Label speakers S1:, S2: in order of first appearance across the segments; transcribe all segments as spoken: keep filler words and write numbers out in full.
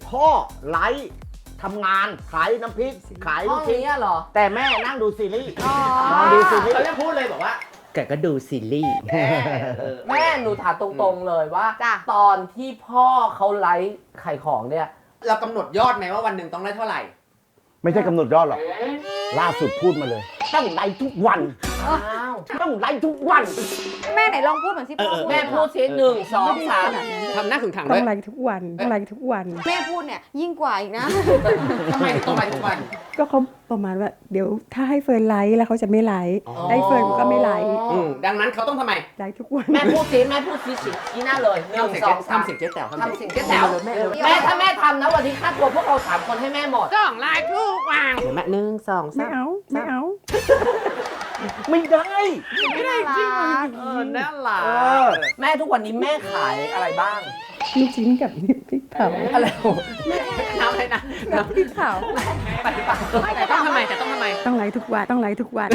S1: พ่อไลฟ์ทำงานขายน้ำพริกขาย
S2: ห้
S1: ลู
S2: อง
S1: กชิ้น
S2: นี้เหรอ
S1: แต่แม่นั่งดูซีรีส์
S3: อ๋อ
S1: นอนดูซีรีส์
S4: เขาจะพูดเลยบอกว่า
S1: แกก็ดูซีรีส์
S2: แม่หนูถามตรงๆเลยว่า
S3: จ้ะ
S2: ตอนที่พ่อเขาไลฟ์ขายของเนี่ย
S4: เรากำหนดยอดไหมว่าวันหนึ่งต้องได้เท่าไหร่
S1: ไม่ใช่กำหนดยอดหรอกล่าสุดพูดมาเลยต้องไลฟ์ทุกวัน
S2: อ้าว
S1: ต้องไลฟ์ทุกวัน
S3: แม่ไหนลองพูดเหมือนที่พ่อ
S4: เออ
S2: แม่พูดสิหนึ่งสองสาม
S4: ทำหน้าขึงขัง
S5: ต้
S4: ด้
S5: อ
S4: วย
S5: งไลฟ์ทุกวันต้องไลฟ์ทุกวัน
S3: แม่พูดเนี่ยยิ่งกว่าอีกนะ
S4: ทำไมถึงต้องไปทุกวัน
S5: ก็เขาประมาณว่าเดี๋ยวถ้าให้เฟิร์นไลฟ์แล้วเขาจะไม่ไลฟ์
S4: อ๋อ
S5: ได้เฟิร์นก็ไม่ไลฟ์
S4: อืมดังนั้นเขาต้องทำไม
S5: ไลฟ์ทุกวัน
S2: แม่พูดสิแม่พูดสิสิชี้หน้าเลยหนึ่ง
S4: ทำเสียง
S2: สองสาม
S4: ทำเสียงเจ๊แต๋ว
S2: ทำเสิ่งเจ๊แต๋วแม่ถ้าแม่ทำนะวันที่ค่าตัวพวกเราสามคนให้แม่หมด
S4: ต้องไลฟ์ทุกวันเห็นไหมหนึ่งสอง
S5: ไม่
S4: สาม
S5: เอาไม่เอา
S1: ไม่ได้
S3: ไม่ได้จริง
S4: เออน่ารัก
S1: เออ
S2: แม่ทุกวันนี้แม่ขายอะไรบ้าง
S5: ลูกชิ้นกับพริกเผา
S2: อะไร
S4: น้ำอะไรนะ
S5: กับพริกเผา
S4: แต่ต้องทำไมแต่ต้องทำไม
S5: ต้องไลฟ์ทุกวันต้องไลฟ์ทุกวัน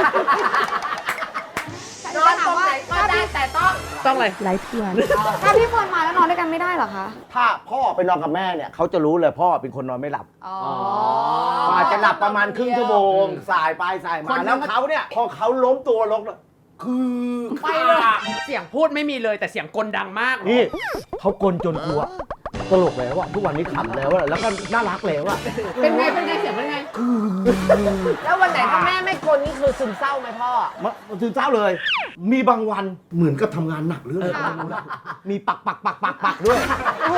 S2: นอนตรงไหนก็ได้แต่ต้อง
S4: ต้องเลย
S5: ไลฟ์ทุกวัน
S3: ถ้าพี่เฟิร์นมาแล้วนอนด้วยกันไม่ได้เหรอคะ
S1: ถ้าพ่อไปนอนกับแม่เนี่ยเขาจะรู้เลยพ่อเป็นคนนอนไม่หลับ
S3: อ๋อ
S1: กว่าจะหลับประมาณครึ่งชั่วโมงสายไปสาย
S4: ค
S1: มาน แล้วเขาเนี่ยพอเขาล้มตัวลงแล้วคือ
S4: ไปเลยเสียงพูดไม่มีเลยแต่เสียงกลดังมาก
S1: นี่เขากลจนกลัวตลกแล้วอะทุกวันนี้ขำแล้วอะแล้วก็น่ารักแล้วอะ
S4: เป็นไงเป็นไงเสียงเป็นไง
S2: แล้ววันไหนถ้าแม่ไม่กลนี่คือซึมเศร้าไหมพ่อ
S1: มาถึงเจ้าเลย มีบางวันเหมือนกับทำงานหนักหรืออะไรก็ไม่รู้นะมีปักปักปักปักปักด้วย
S3: โอ้โห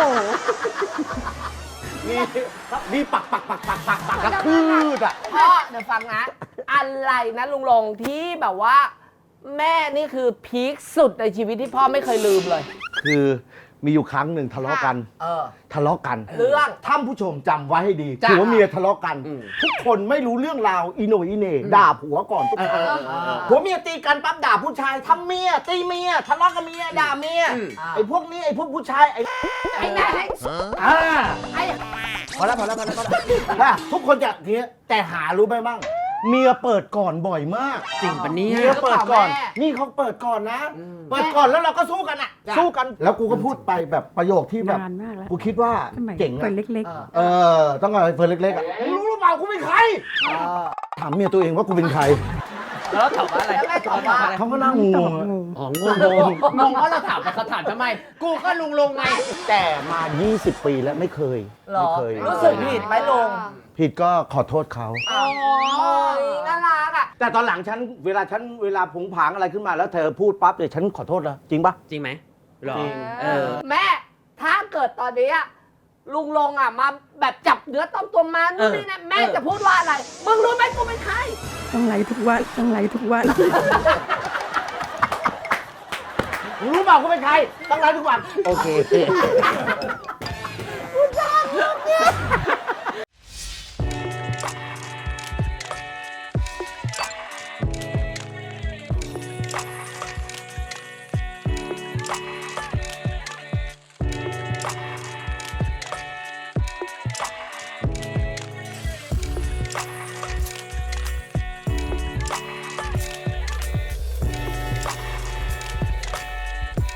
S1: มีมีปักปักปักปักปักปักกระคืดอะ
S2: พ่อเดี๋ยวฟังนะ อะไรนะลุงลงที่แบบว่า แม่นี่คือพีคสุดในชีวิตที่พ่อไม่เคยลืมเลย
S1: คือมีอยู่ครั้งหนึ่งทะเลาะกัน
S2: เออ
S1: ทะเลาะกัน
S2: เรื่อง
S1: ท่านผู้ชมจำไว้ให้ดี
S4: จ้ะ
S1: ผัวเมียทะเลาะกัน
S4: อืม
S1: ทุกคนไม่รู้เรื่องราวอีโหนอีเหน่ด่าผัวก่อนทุกครั้ง
S4: เออเออเออ
S1: ผัวเมียตีกันปั๊บด่าผู้ชายทำเมียตีเมียทะเลาะกับเมียด่าเมีย
S4: อืม
S1: ไอ้พวกนี้ไอ้พวกผู้ชายไอ้
S2: ไอ้ไหน
S1: อ่า
S2: ไอ้
S1: พอแล้วพอแล้วพอแล้วพอแล้วอ่ะทุกคนจะทีนี้แต่หารู้ไหมมั่งเมียเปิดก่อนบ่อยมาก
S4: จริงปะเนี่ย
S1: เมียเปิดก่อน นี่เขาเปิดก่อนนะ เปิดก่อนแล้วเราก็สู้กันอ่ะ สู้กัน แล้วกูก็พูดไปแบบประโยคที่แบบ
S5: นานมากแล้ว
S1: กูคิดว่า
S5: สมัย
S1: เจ๋ง
S5: เฟิร์
S1: อะ
S5: นเล็ก
S1: เออ ต้องเอาไอ้เฟิร์นเล็กๆอ่ะรู้หรือเปล่ากูเป็นใคร ถามเมียตัวเองว่ากูเป็นใคร
S4: แล้วตอบว่าอะไร
S2: แล้วแม่ตอบว่า
S1: เขาก็นั่งง
S5: ๆตอบ
S1: ง
S5: งง
S1: อ๋องงง
S4: งงว่าเราถามไปเขาถามทำไม กูก็ลุงลงไง
S1: แต่มา ยี่สิบ ปีแล้วไม่เคย
S2: เหร
S1: ไม่
S2: อ
S1: เคย
S2: รู้สึกผิดไหมลุง
S1: ผิดก็ขอโทษเขา
S2: อ๋อน่ารักอ่ะ
S1: แต่ตอนหลังฉันเวลาฉันเวลาผงผางอะไรขึ้นมาแล้วเธอพูดปั๊บเดี๋ยวฉันขอโทษแล้วจริงปะ
S4: จริงไหมหรอ
S1: จริง
S4: เออ
S2: แม่ ถ้าเกิดตอนนี้อะลุงลงอ่ะมาแบบจับเนื้อต้องตัวมานู่นนี่นะแม่
S4: เออ
S2: จะพูดว่าอะไร มึงรู้ไหมกูเป็นใคร
S5: ต้องไลฟ์ทุกวันต้องไลฟ์ทุกวัน
S1: รู้เปล่ากูเป็นใครต้องไลฟ์ทุกวัน โอเค